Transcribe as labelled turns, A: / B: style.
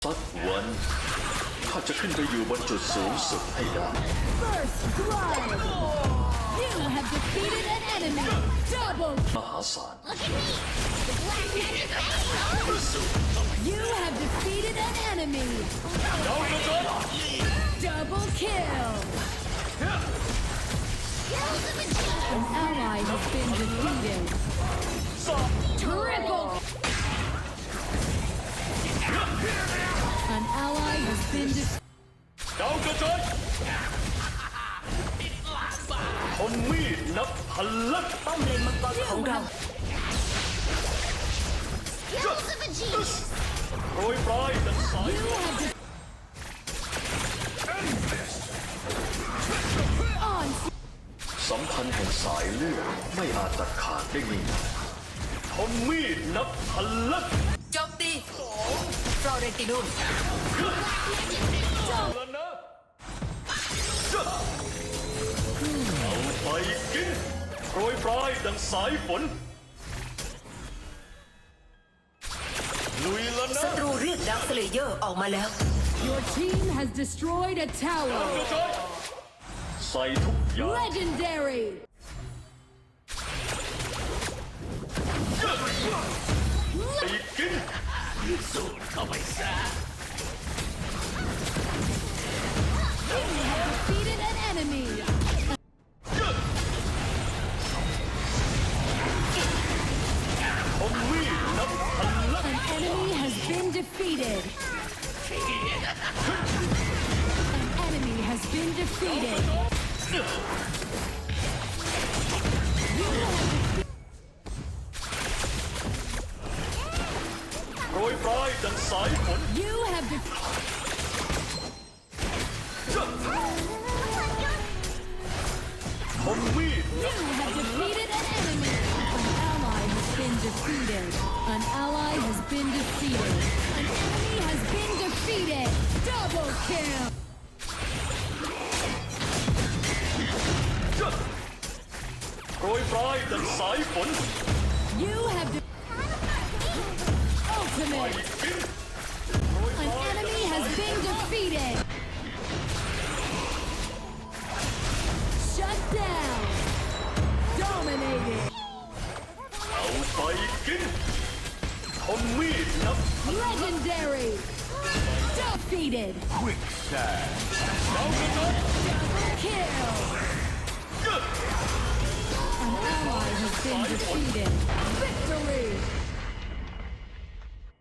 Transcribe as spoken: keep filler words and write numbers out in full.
A: สักวันข้าจะขึ้นไปอยู่บนจุดสูงสุดให้ได้
B: First blood! You have defeated an enemy! Double!
A: มหาศาล
B: You have defeated an enemy! Double kill! An ally has been defeated! Triple! An ally has been defeated!
A: ดาวกระจายคนมีดนับพันลัก
C: ป้อมเลนมังกรของเรา
A: โปรยปลายดังสาย
B: You have de- On!
A: สัมพันธ์แห่งสายเลือดไม่อาจตัดขาดได้ง่ายๆคนมีดนับพันลัก
C: โจมตีฟลอเรนตินุม
A: แล้วนะเอาไปกินโปรยปลายดังสายฝนลุยแล้วนะ
C: ศัตรูเรียกดักสเลเยอร์ออกมาแล้ว
B: Your team has destroyed a tower!
A: กระจายใส่ทุกอย่าง
B: Legendary!
A: ไปกินสูดเข้าไปซะ
B: Defeated an enemy!
A: คนมีดนับพันลัก
B: An enemy has been defeated! An enemy has been defeated! You have
A: โปรยปลายดังสายฝน
B: You have defeated.
A: คนมีด
B: You have defeated an enemy. An ally has been defeated. An ally has been defeated. An enemy has been defeated. Double kill.
A: โปรยปลายดังสายฝน
B: You have de-
A: ไป
B: ultimate.
A: กิน
B: An enemy has been defeated. Shut down. Dominated.
A: เอาไปกินคนมีดนับ
B: Legendary. Defeated.
A: ดาวกระจาย
B: Double kill. An ally has been defeated. Victory.